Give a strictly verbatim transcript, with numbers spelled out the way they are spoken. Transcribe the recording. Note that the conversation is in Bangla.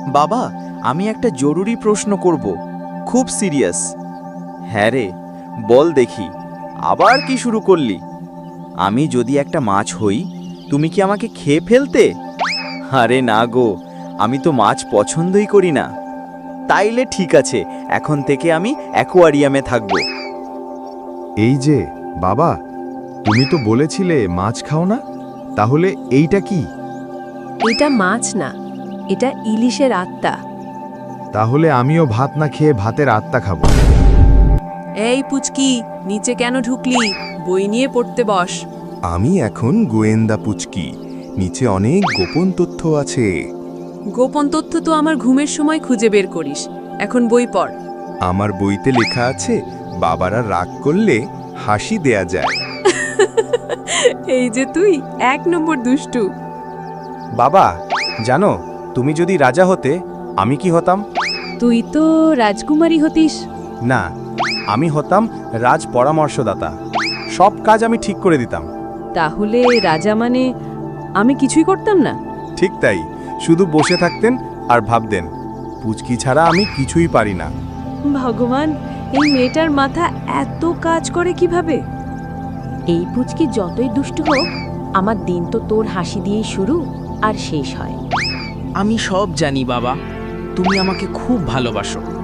বাবা, আমি একটা জরুরি প্রশ্ন করব, খুব সিরিয়াস। হ্যাঁ রে, বল দেখি, আবার কি শুরু করলি? আমি যদি একটা মাছ হই, তুমি কি আমাকে খেয়ে ফেলতে? আরে না গো, আমি তো মাছ পছন্দই করি না। তাইলে ঠিক আছে, এখন থেকে আমি অ্যাকোয়ারিয়ামে থাকব। এই যে বাবা, তুমি তো বলেছিলে মাছ খাও না, তাহলে এইটা কি? এটা মাছ না, এটা ইলিশের আত্মা। তাহলে আমিও ভাত না খেয়ে ভাতের আত্মা খাবো। এই পুচকি, নিচে কেন ঢুকলি? বই নিয়ে পড়তে বস। আমি এখন গোয়েন্দা পুচকি, নিচে অনেক গোপন তথ্য আছে। গোপন তথ্য তো আমার ঘুমের সময় খুঁজে বের করিস, এখন বই পড়। আমার বইতে লেখা আছে বাবারা রাগ করলে হাসি দেয়া যায়। এই যে তুই এক নম্বর দুষ্টু। বাবা, জানো, তুমি যদি রাজা হতে, আমি কি হতাম? তুই তো রাজকুমারী হতিস। না, আমি হতাম রাজ পরামর্শদাতা। সব কাজ আমি ঠিক করে দিতাম। তাহলে রাজা মানে আমি কিছুই করতাম না? ঠিক তাই, শুধু বসে থাকতেন আর ভাবতেন, পুচকি ছাড়া আমি কিছুই পারি না। ভগবান, এই মেয়েটার মাথা এত কাজ করে কিভাবে? এই পুচকি যতই দুষ্টু হোক, আমার দিন তো তোর হাসি দিয়েই শুরু আর শেষ হয়। আমি সব জানি বাবা, তুমি আমাকে খুব ভালোবাসো।